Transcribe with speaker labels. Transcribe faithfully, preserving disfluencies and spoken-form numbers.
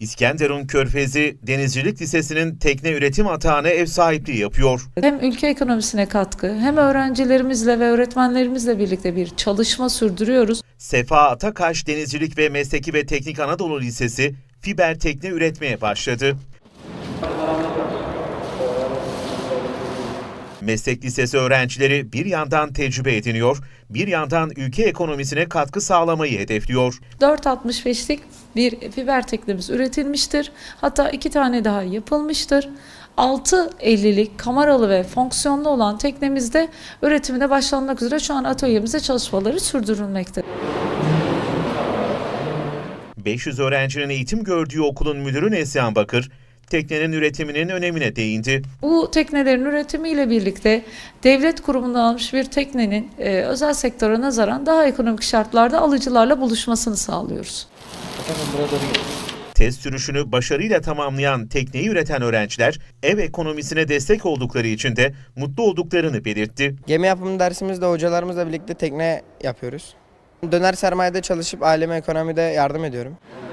Speaker 1: İskenderun Körfezi Denizcilik Lisesi'nin tekne üretim atağına ev sahipliği yapıyor.
Speaker 2: Hem ülke ekonomisine katkı hem öğrencilerimizle ve öğretmenlerimizle birlikte bir çalışma sürdürüyoruz.
Speaker 1: Sefa Atakaş Denizcilik ve Mesleki ve Teknik Anadolu Lisesi fiber tekne üretmeye başladı. Meslek lisesi öğrencileri bir yandan tecrübe ediniyor, bir yandan ülke ekonomisine katkı sağlamayı hedefliyor.
Speaker 2: dört altmış beşlik bir fiber teknemiz üretilmiştir. Hatta iki tane daha yapılmıştır. altı ellilik kameralı ve fonksiyonlu olan teknemizde üretimine başlanmak üzere şu an atölyemizde çalışmaları sürdürülmekte.
Speaker 1: beş yüz öğrencinin eğitim gördüğü okulun müdürü Neslihan Bakır, teknenin üretiminin önemine değindi.
Speaker 2: Bu teknelerin üretimiyle birlikte devlet kurumundan almış bir teknenin e, özel sektöre nazaran daha ekonomik şartlarda alıcılarla buluşmasını sağlıyoruz.
Speaker 1: Test sürüşünü başarıyla tamamlayan tekneyi üreten öğrenciler ev ekonomisine destek oldukları için de mutlu olduklarını belirtti.
Speaker 3: Gemi yapımı dersimizde hocalarımızla birlikte tekne yapıyoruz. Döner sermayede çalışıp aileme ekonomide yardım ediyorum.